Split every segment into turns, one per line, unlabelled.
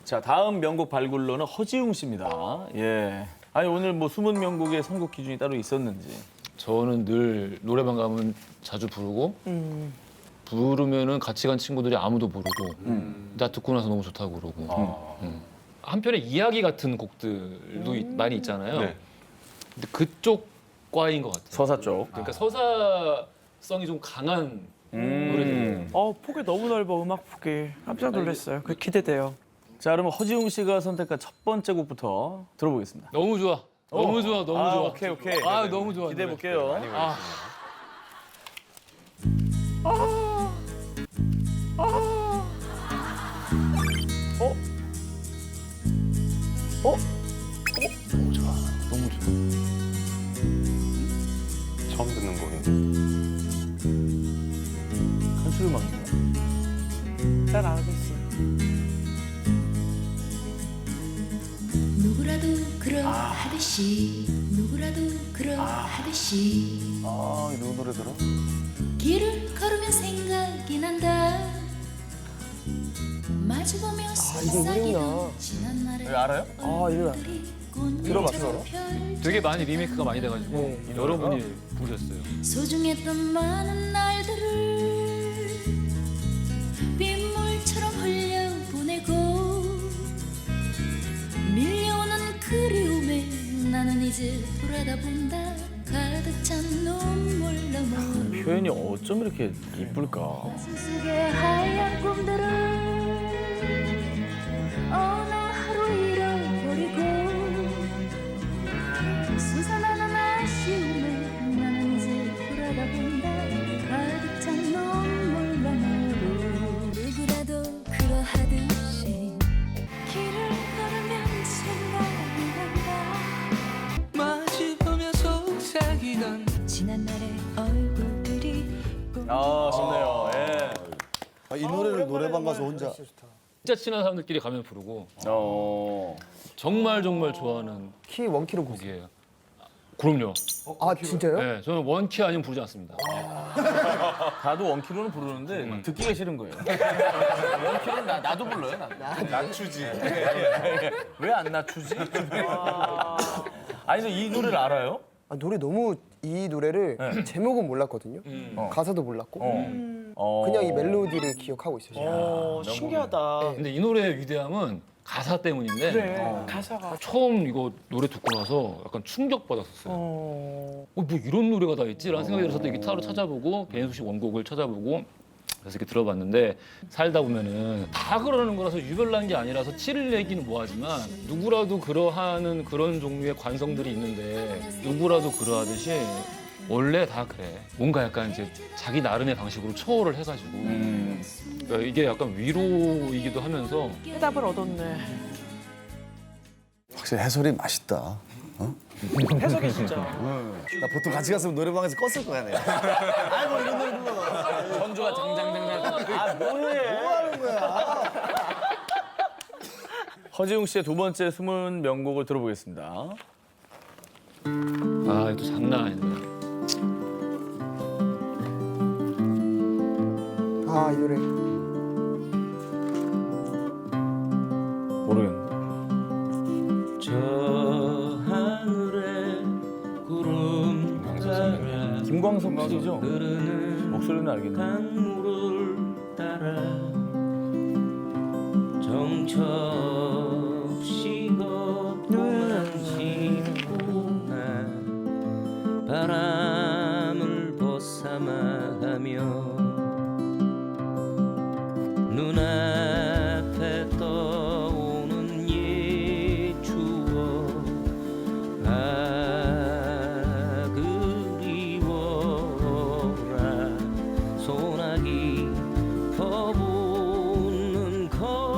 자, 다음 명곡 발굴로는 허지웅 씨입니다. 예. 아니 오늘 뭐 숨은 명곡의 선곡 기준이 따로 있었는지.
저는 늘 노래방 가면 자주 부르고 부르면은 같이 간 친구들이 아무도 모르고 나 듣고 나서 너무 좋다고 그러고 한편의 이야기 같은 곡들도 많이 있잖아요.
네.
근데 그쪽 과인 것 같아요.
서사 쪽.
그러니까 서사성이 좀 강한 노래들.
폭이 너무 넓어, 음악 폭이. 깜짝 놀랐어요. 그 기대돼요.
자, 그러면 허지웅 씨가 선택한 첫 번째 곡부터 들어보겠습니다.
너무 좋아. 너무 좋아. 너무
아,
좋아.
오케이.
아, 너무 좋아.
기대해 볼게요.
아.
너무 좋아. 처음 듣는 곡인데.
한술 음악인가?
잘 알고 있어.
누구라도 그러하듯이 누구라도 그러하듯이
아, 이 노래 들어?
길을 걸으면 생각이 난다 마주보며 속삭이던 지난 날의
알아요?
이거 들어봤어.
되게 많이 리메이크가 많이 돼가지고 여러분이 부르셨어요.
소중했던 많은 날들을 빗물처럼 흘려보내고 밀려오는 그리움에 나는 이제 돌아다 본다 가득 찬 눈물 너머로
표현이 어쩜 이렇게 이쁠까?
가슴 속의 하얀 꿈들을 어느 하루 잃어버리고 솟아나는 아쉬움에 나는 이제 돌아다 본다 가득 찬 눈물 너머로 누구라도 그러하듯이 길을 걸으면 생각이 난다
마주보며 속삭이던
지난 날의 얼굴들이
아, 좋네요. 예.
이 노래를 노래방 가서 혼자
진짜 친한 사람들끼리 가면 부르고 정말 좋아하는
키 원키로 곡.
곡이에요. 그럼요.
아 진짜요?
네, 저는 원키 아니면 부르지 않습니다.
다도 원키로는 부르는데 듣기가 싫은 거예요. 원키로는 나도 불러요.
낮추지.
왜 안 낮추지? 아니, 근데 이 노래를 알아요?
노래 너무 이 노래를
네.
제목은 몰랐거든요. 가사도 몰랐고 그냥 이 멜로디를 기억하고 있어요.
신기하다.
근데 이 노래의 위대함은 가사 때문인데
그래, 가사가.
처음 이거 노래 듣고 나서 약간 충격받았었어요. 뭐 이런 노래가 다 있지라는 생각이 들어서 또 기타로 찾아보고 배현숙 씨 원곡을 찾아보고 그래서 이렇게 들어봤는데 살다 보면은 다 그러는 거라서 유별난 게 아니라서 티를 내기는 뭐하지만 누구라도 그러하는 그런 종류의 관성들이 있는데 누구라도 그러하듯이 원래 다 그래. 뭔가 약간 이제 자기 나름의 방식으로 초월을 해가지고 그러니까 이게 약간 위로이기도 하면서
해답을 얻었네.
확실히 해설이 맛있다.
해석이 진짜.
나 보통 같이 갔으면 노래방에서 껐을 거야 내가. 아이고 이런 노래 불러.
전주가 장장장장. 아, 뭐해?
뭐 하는 거야?
허지웅 씨의 두 번째 숨은 명곡을 들어보겠습니다.
아 이거 장난 아닌데.
이 노래.
모르겠는데.
저 하늘에 구름 따라
김광석 씨죠?
흐르는
목소리는 알겠네.
강물을 따라 정처 없이 걷고만 지구나 바람을 벗삼아가며 눈앞에 떠오는 옛 추억 그리워라 소나기 퍼붓는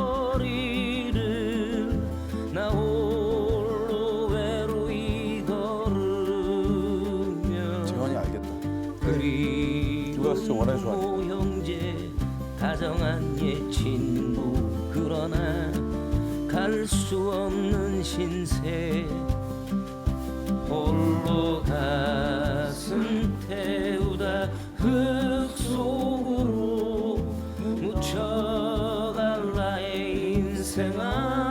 거리를 나 홀로 외로이 걸으며
재환이 알겠다.
누가 진짜 원하는 줄 알아.
형제 다정한 옛 친구 그러나 갈 수 없는 신세 홀로 가슴 태우다 흙 속으로 묻혀갈 나의 인생아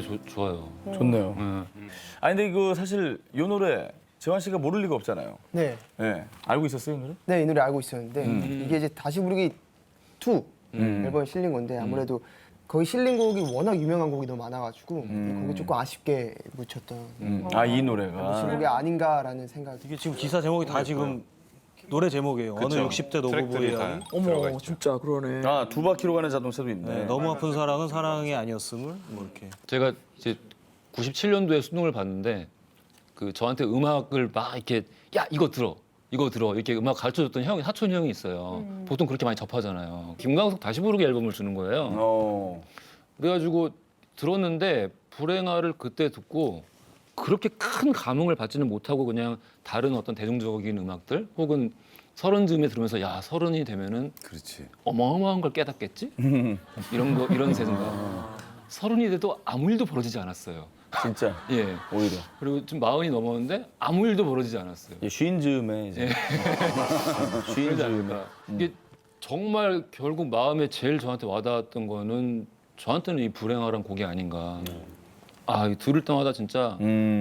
좋아요.
좋네요.
네.
아니 근데 그 사실 이 노래 재환 씨가 모를 리가 없잖아요.
네.
예. 알고 있었어요, 이 노래?
네, 이 노래 알고 있었는데 이게 이제 다시 부르기 2 앨범에 실린 건데 아무래도 거기 실린 곡이 워낙 유명한 곡이 너무 많아가지고 거기 조금 아쉽게 묻혔던
아, 이 노래가.
곡이 아닌가라는 생각이.
이게 지금 기사 제목이 다 지금 노래 제목이에요. 어느 60대
트랙들이
노부부의
다
이야기.
들어가
어머
있죠.
진짜 그러네.
아, 두 바퀴로 가는 자동차도 있네.
네, 너무 아픈 사랑은 사랑이 아니었음을 뭐 이렇게.
제가 이제 97년도에 수능을 봤는데 그 저한테 음악을 막 이렇게 야 이거 들어 이렇게 음악 가르쳐줬던 형이 사촌 형이 있어요. 보통 그렇게 많이 접하잖아요. 김광석 다시 부르기 앨범을 주는 거예요.
어.
그래가지고 들었는데 불행아를 그때 듣고 그렇게 큰 감흥을 받지는 못하고 그냥 다른 어떤 대중적인 음악들 혹은 서른 즈음에 들으면서 야 서른이 되면은
그렇지.
어마어마한 걸 깨닫겠지 이런 생각. 서른이 돼도 아무 일도 벌어지지 않았어요.
진짜.
예.
오히려.
그리고 지금 마흔이 넘었는데 아무 일도 벌어지지 않았어요.
예, 쉰 즈음에 이제. 쉰
그러지
즈음에.
않을까. 이게 정말 결국 마음에 제일 저한테 와닿았던 거는 저한테는 이 불행하란 곡이 아닌가. 아, 이거 들을 때마다 진짜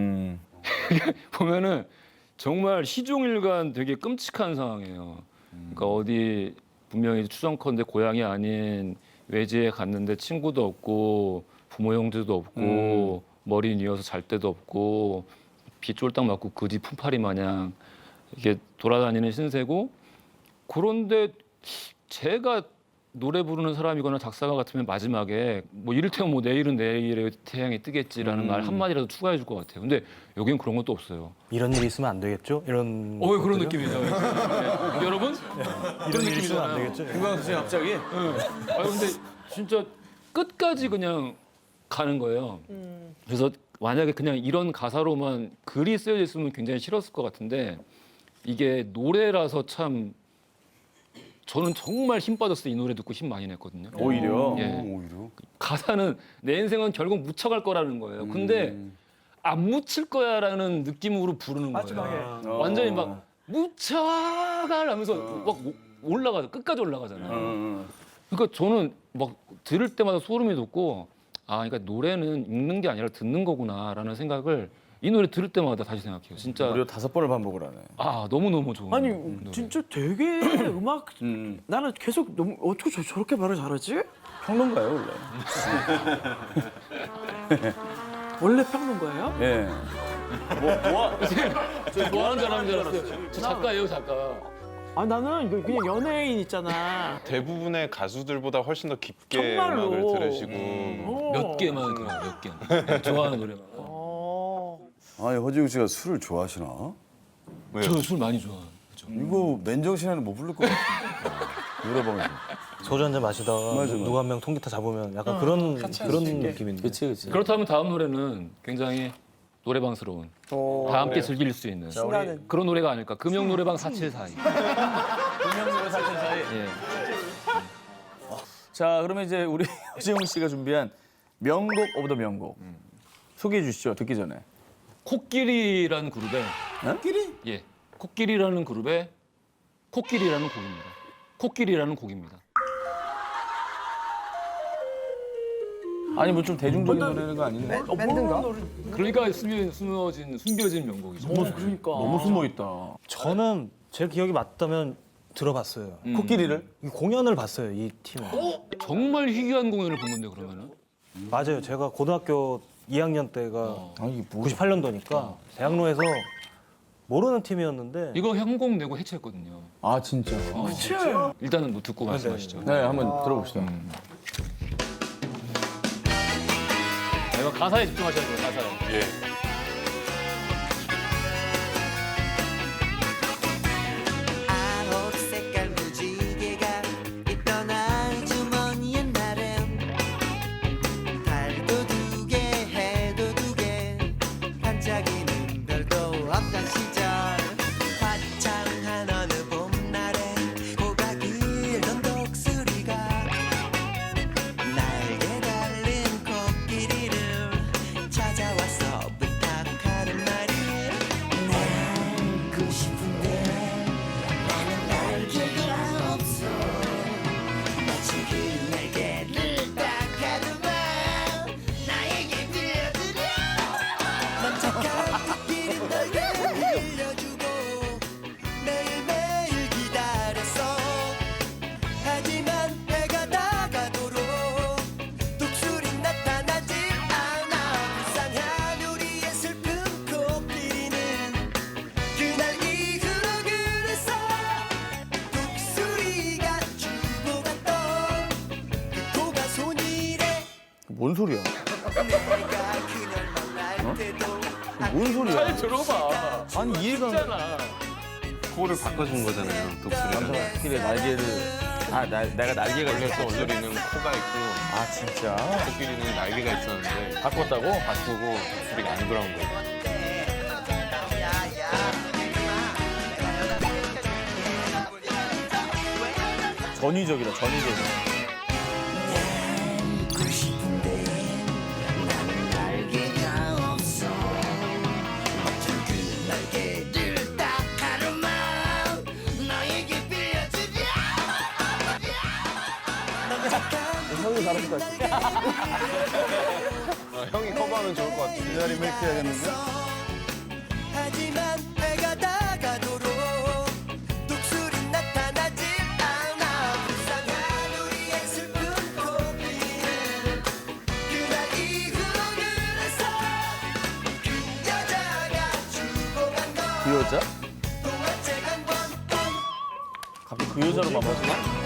보면은 정말 시종일관 되게 끔찍한 상황이에요. 그러니까 어디 분명히 추정컨대 고향이 아닌 외지에 갔는데 친구도 없고 부모 형제도 없고 머리 뉘어서 잘 데도 없고 비 쫄딱 맞고 그지 품팔이 마냥 이게 돌아다니는 신세고 그런데 제가 노래 부르는 사람이거나 작사가 같으면 마지막에 뭐 이를테면 뭐 내일은 내일의 태양이 뜨겠지라는 말 한마디라도 추가해 줄 것 같아요. 근데 여기는 그런 것도 없어요.
이런 일이 있으면 안 되겠죠? 이런.
그런
것들이요?
느낌이죠. 네. 여러분?
이런 일이 있으면 안 되겠죠?
김광석 씨 갑자기?
아 근데 진짜 끝까지 그냥 가는 거예요. 그래서 만약에 그냥 이런 가사로만 글이 쓰여져 있으면 굉장히 싫었을 것 같은데 이게 노래라서 참 저는 정말 힘 빠졌어요. 이 노래 듣고 힘 많이 냈거든요.
오히려.
예.
오히려.
가사는 내 인생은 결국 묻혀갈 거라는 거예요. 근데 안 묻힐 거야라는 느낌으로 부르는 거예요.
마지막에.
완전히 막 묻혀가라면서 막 올라가죠. 끝까지 올라가잖아요. 그러니까 저는 막 들을 때마다 소름이 돋고 아, 그러니까 노래는 읽는 게 아니라 듣는 거구나라는 생각을 이 노래 들을 때마다 다시 생각해요. 진짜
무려 5번을 반복을 하네.
아 너무 좋은
아니
노래.
진짜 되게 음악 나는 계속 너무 어떻게 저렇게 말을 잘하지?
평론가예요, 원래.
원래 평론가예요?
예.
뭐 하는 사람인 줄 알았어요. 저 작가예요, 작가.
아 나는 이거 그냥 연예인 있잖아.
대부분의 가수들보다 훨씬 더 깊게
정말로.
음악을 들으시고
몇 개만 들어요, 몇 개. 네, 좋아하는 노래만.
아니 허지웅 씨가 술을 좋아하시나?
저 술 많이 좋아해요.
이거 맨정신에는 못 부를 것 같아. 노래방에서.
소주 한 잔 마시다가
맞아.
누가 한 명 통기타 잡으면 약간 그런 느낌인데.
그치.
그렇다면 다음 노래는 굉장히 노래방스러운 다 함께 즐길 수 있는
신나는.
그런 노래가 아닐까. 금영 노래방 472.
금영노래 사천 사이.
예.
자, 그러면 이제 우리 허지웅 씨가 준비한 명곡 오브 더 명곡. 소개해 주시죠, 듣기 전에.
코끼리라는 그룹의
코끼리?
예. 코끼리라는 그룹의 코끼리라는 곡입니다. 코끼리라는 곡입니다.
아니, 뭐 좀 대중적인 노래가 아닌데.
밴드인가?
그러니까 숨겨진 명곡이죠.
그러니까.
너무 숨어 있다.
저는 제 기억이 맞다면 들어봤어요.
코끼리를?
이 공연을 봤어요, 이 팀을.
정말 희귀한 공연을 본 건데 그러면은
맞아요. 제가 고등학교 2학년 때가
아, 이게 뭐.
98년도니까 대학로에서 모르는 팀이었는데
이거 현곡 내고 해체했거든요.
아, 진짜.
그치?
일단은 뭐 듣고 말씀하시죠.
네, 한번 들어봅시다.
이거 가사에 집중하셔야 돼요. 가사에.
예.
아홉 색깔 무지개가 있던 아주 먼 옛날엔 달도 두 개 해도 두 개 반짝이는 별도 없던 시절 화창한 어느 봄날에 고가 길던 독수리가 날개 달린 코끼리를 찾아와서
뭔 소리야? 뭔 소리야?
잘 들어봐.
아니 이해가 안 가.
코를 바꿔준 거잖아요. 독수리는.
코끼리 날개를 내가 날개가
원래
있었어.
독수리는 코가 있고
아 진짜?
코끼리는 날개가 있었는데
바꿨다고?
바꾸고 독수리가 안 돌아온 거예요.
전위적이다 전위적.
형이 잘하실 것 같아요.
형이 커버하면 좋을 것 같아요.
이 자리 메이크 해야겠는데?
하지만 해가 다가도록 독수리 나타나지 않아 불쌍한 우리의 슬픈 코끼리 그날 이후에서 그 여자가 죽어간 건
그 여자?
동화책 한 권뿐
갑자기 그 여자로 만나지나?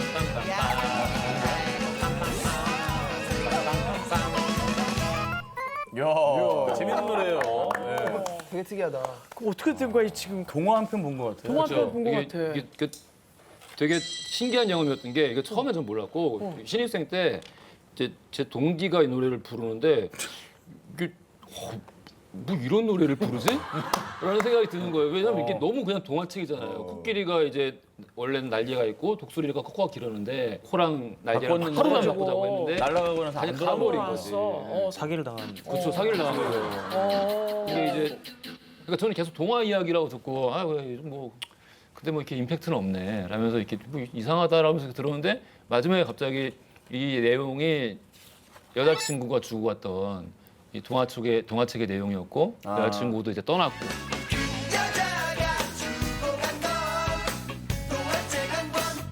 야, 재밌는 노래예요. 네.
되게 특이하다.
그 어떻게 된 거야 지금?
동화 한 편 본 것 같아요.
동화
그렇죠.
본것 같아.
이게 되게 신기한 경험이었던 게 이게 처음에 전 몰랐고 신입생 때 이제 제 동기가 이 노래를 부르는데 이게 뭐 이런 노래를 부르지? 라는 생각이 드는 거예요. 왜냐면 이게 너무 그냥 동화책이잖아요. 코끼리가 이제 원래는 날개가 있고 독수리가 코가 길었는데 코랑 날개랑
바꿨는데
하루만 바꾸자고 했는데
날아가고 나서
아니
안
가버린
돌아오고
거지.
사기를 당한.
그렇죠. 사기를 당한 거예요. 이게 이제 그러니까 저는 계속 동화 이야기라고 듣고 뭐 근데 뭐 이렇게 임팩트는 없네. 라면서 이렇게 뭐 이상하다라면서 들었는데 마지막에 갑자기 이 내용이 여자친구가 주고 왔던 이 동화책의 내용이었고 여자친구도 이제 떠났고
여자가 죽어간 건 동화책 한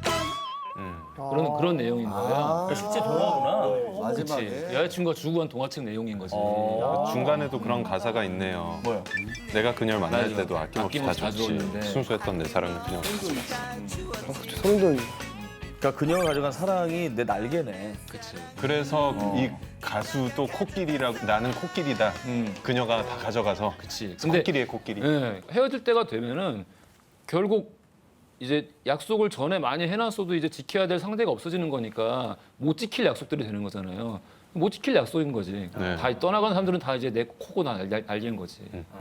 권뿐
그런 내용인 거예요.
실제 동화구나.
그렇지.
마지막에.
여자친구가 주고 간 동화책 내용인 거지.
중간에도 그런 가사가 있네요.
뭐야?
내가 그녀를 만날
맞아.
때도 아낌없이 다
아낌없이 다
줬지.
줬는데.
순수했던 내 사랑을 그녀가
소름 돋네.
그러니까 그녀가 가져간 사랑이 내 날개네.
그렇지.
그래서 이 가수도 코끼리라고 나는 코끼리다. 그녀가 다 가져가서
그렇지. 근데
코끼리의 코끼리.
예, 헤어질 때가 되면은 결국 이제 약속을 전에 많이 해놨어도 이제 지켜야 될 상대가 없어지는 거니까 못 지킬 약속들이 되는 거잖아요. 못 지킬 약속인 거지.
네.
다 떠나간 사람들은 다 이제 내 코고 날개인 거지.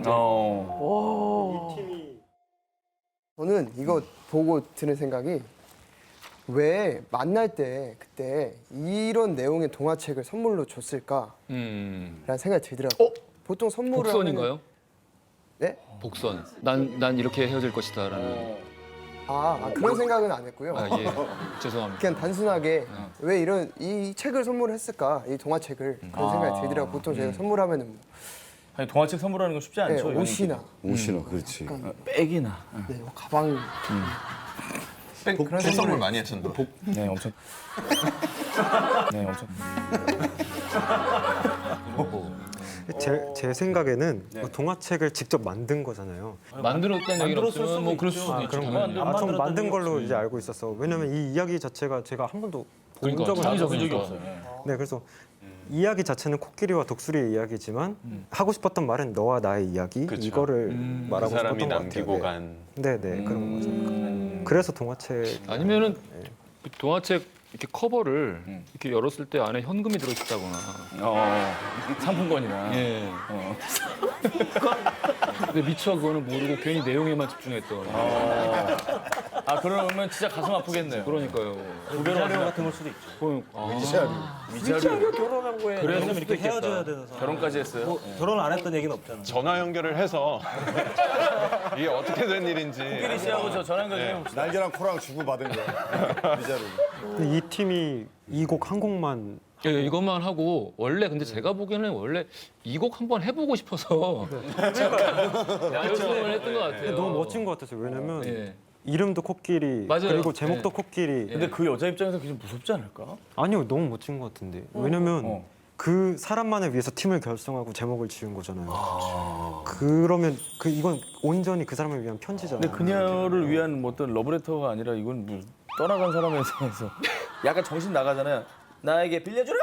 저는 이거 보고 드는 생각이 왜 만날 때 그때 이런 내용의 동화책을 선물로 줬을까라는 생각이 들더라고요. 보통 선물을
복선인가요?
하면은- 네?
복선. 난 이렇게 헤어질 것이다라는.
그런 생각은 안 했고요.
아 예. 죄송합니다.
그냥 단순하게 왜 이런 이 책을 선물했을까 이 동화책을 그런 생각이 들더라고요. 보통 저희가 선물하면은 뭐,
아니 동화책 선물하는 거 쉽지
네,
않죠.
옷이나
옷이나 그렇지.
백이나.
네, 뭐 가방
복 선물 많이 하셨는데.
네, 엄청. 네, 엄청.
제 생각에는 그 동화책을 직접 만든 거잖아요.
만들었다는 얘기는
만들었을
없지만 뭐
수도
그럴
있죠.
수도 있죠.
그런
당연히.
건 안
전 만든
만들었다는
걸로
얘기
이제 알고 있었어. 왜냐면 이 이야기 자체가 제가 한 번도 본
그러니까
적은
자기적인
없어요.
적이
없어요.
네, 그래서 이야기 자체는 코끼리와 독수리의 이야기지만 하고 싶었던 말은 너와 나의 이야기
그쵸.
이거를
그
말하고
사람이
싶었던 것
남기고
같아요.
간.
네, 그런 거죠. 그래서 동화책
아니면은 동화책 이렇게 커버를 이렇게 열었을 때 안에 현금이 들어있다거나.
상품권이나.
예. 근데 미처 그거는 모르고 괜히 내용에만 집중했던.
그러면 진짜 가슴 아프겠네요.
그러니까요.
위자료 같은 걸 수도 있죠.
위자료.
결혼한 거에
그래서
이렇게
이렇게
헤어져야 되는 사람.
결혼까지 했어요.
결혼 안 했던 얘기는 없잖아.
전화 연결을 해서 이게 어떻게 된 일인지.
코끼리 씨하고 저 전화 연결 좀 해봅시다.
날개랑 코랑 주고 받은 거야. 위자료.
근데 이 팀이 이 곡 한 곡만
예, 이것만 하고 원래 근데 제가 보기에는 원래 이 곡 한번 해보고 싶어서 연습을 했던 것 같아요.
너무 멋진 것 같았어요. 왜냐면
예.
이름도 코끼리
맞아요.
그리고 제목도
네.
코끼리.
근데 그 여자 입장에서 그게 좀 무섭지 않을까?
아니요, 너무 멋진 것 같은데. 왜냐면 그 사람만을 위해서 팀을 결성하고 제목을 지은 거잖아요. 그러면 이건 온전히 그 사람을 위한 편지잖아요.
근데 그녀를 위한 뭐 어떤 러브레터가 아니라 이건 뭐 떠나간 사람에 대해서 약간 정신 나가잖아요. 나에게 빌려주라!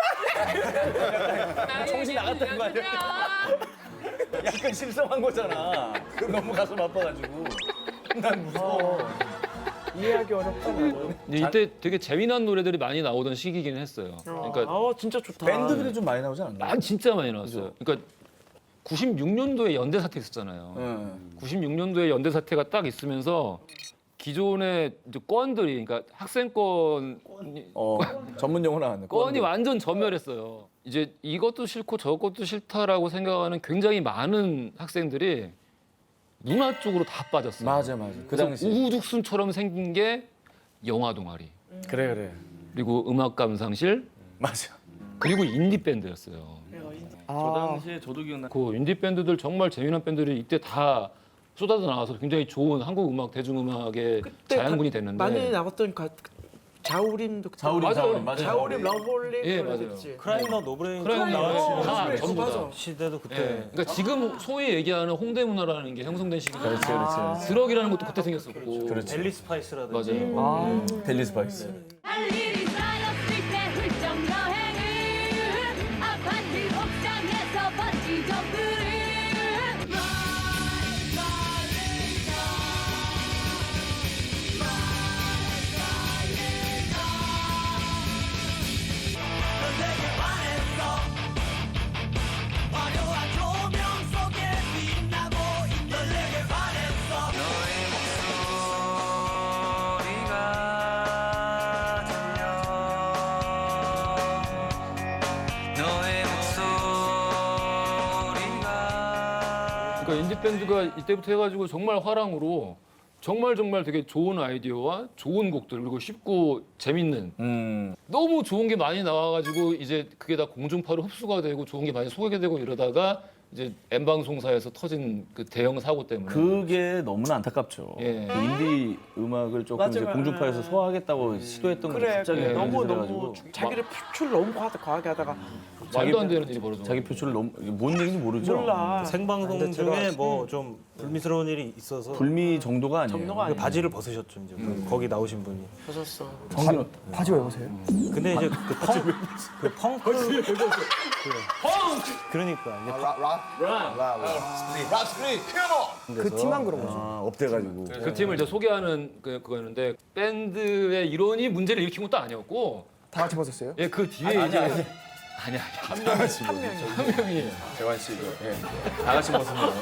정신 나갔다는 거 아니야? 약간 실성한 거잖아. 너무 가슴 아파가지고. 난 무서워.
이해하기 어렵다. 나는.
이때 되게 재미난 노래들이 많이 나오던 시기긴 했어요. 그러니까
진짜 좋다.
밴드들이 좀 많이 나오지 않나?
진짜 많이 나왔어요. 그러니까 96년도에 연대 사태 있었잖아요. 96년도에 연대 사태가 딱 있으면서 기존의 이제 건들이 그러니까 학생권
전문 용어 나왔네.
건이 완전 전멸했어요. 이제 이것도 싫고 저것도 싫다라고 생각하는 굉장히 많은 학생들이 문화 쪽으로 다 빠졌어요.
맞아. 그
그래서
당시.
우후죽순처럼 생긴 게 영화 동아리,
그래.
그리고 음악 감상실,
맞아.
그리고 인디 밴드였어요.
저 당시에 저도 기억나.
그 인디 밴드들 정말 재미난 밴드들이 이때 다 쏟아져 나와서 굉장히 좋은 한국 음악 대중음악의 자양분이 됐는데
많이 나왔던 자우림도 자우림 러블리
예, 맞아요.
크라이머 노브레인
크라이머
나왔을
다 전부 다.
맞아.
시대도 그때
예. 그러니까 지금 소위 얘기하는 홍대 문화라는 게 형성된 시기가
그렇지.
드럭이라는 것도 그때 생겼었고
델리 스파이스라든지
맞아요.
델리 스파이스.
할 일이 쌓였을 때 훌쩍 여행을 아파트 옥상에서 번지 점프를
그러니까 인디 밴드가 이때부터 해가지고 정말 화랑으로 정말 되게 좋은 아이디어와 좋은 곡들 그리고 쉽고 재밌는 너무 좋은 게 많이 나와가지고 이제 그게 다 공중파로 흡수가 되고 좋은 게 많이 소개가 되고 이러다가 이제 M방송사에서 터진 그 대형 사고 때문에
그게 너무나 안타깝죠.
예.
그 인디 음악을 조금
맞아,
이제
맞아.
공중파에서 소화하겠다고 시도했던 게
그래
갑자기
예.
너무
해가지고
자기를 표출 너무 과하게 하다가
말도 안 되는 일이 벌어져.
자기 표출을 너무 뭔 얘기인지 모르죠.
몰라.
생방송 중에 뭐 좀 불미스러운 일이 있어서
불미 정도가 아니에요.
정도가
그 바지를 벗으셨죠 이제 거기 나오신 분이.
벗었어.
정신
바지 왜 벗어요?
근데 이제 그 펑크 그러니까 이제
그 팀만 그런 거죠.
업돼가지고.
그 팀을 이제 소개하는 그거였는데 밴드의 이론이 문제를 일으킨 것도 아니었고
다 같이 벗었어요?
예, 그 뒤에 이제 아니야 한 명이
재환 씨도 예. 다 같이 벗으면.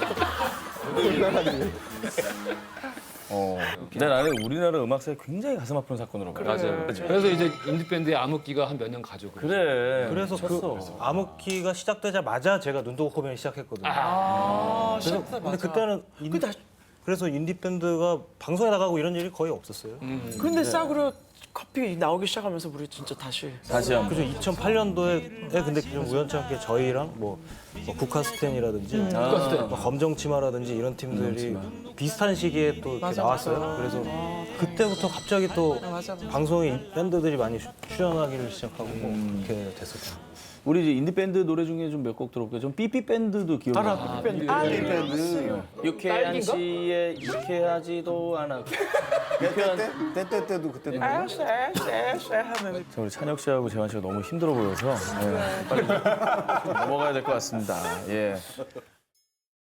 근데 나는 우리나라 음악사에 굉장히 가슴 아픈 사건으로 봐요.
맞아요. 그래서 이제 인디 밴드의 암흑기가 한 몇 년 가죠.
그래.
그래서 그 암흑기가 시작되자마자 제가 눈도 코면이 시작했거든요. 그래서 근데 그때는 그래서 인디 밴드가 방송에 나가고 이런 일이 거의 없었어요.
근데 싸구려 커피 나오기 시작하면서 우리 진짜 다시
한번.
그죠 2008년도에 근데 좀 우연찮게 저희랑 뭐 국카스텐이라든지 뭐 검정치마라든지 이런 팀들이 비슷한 시기에 또 이렇게 나왔어요. 그래서 그때부터 갑자기 또 방송에 밴드들이 많이 출연하기를 시작하고 뭐 이렇게 됐었죠.
우리 이제 인디 밴드 노래 중에 좀 몇 곡 들어볼게요. 좀 삐삐 밴드도 기억이 나요.
삐삐 밴드.
유쾌한 시에 유쾌하지도 않아. 유쾌한
때때때도 그때도
쎄 하면
자, 우리 찬혁 씨하고 재환 씨가 너무 힘들어 보여서 빨리 넘어가야 될 것 같습니다. 예.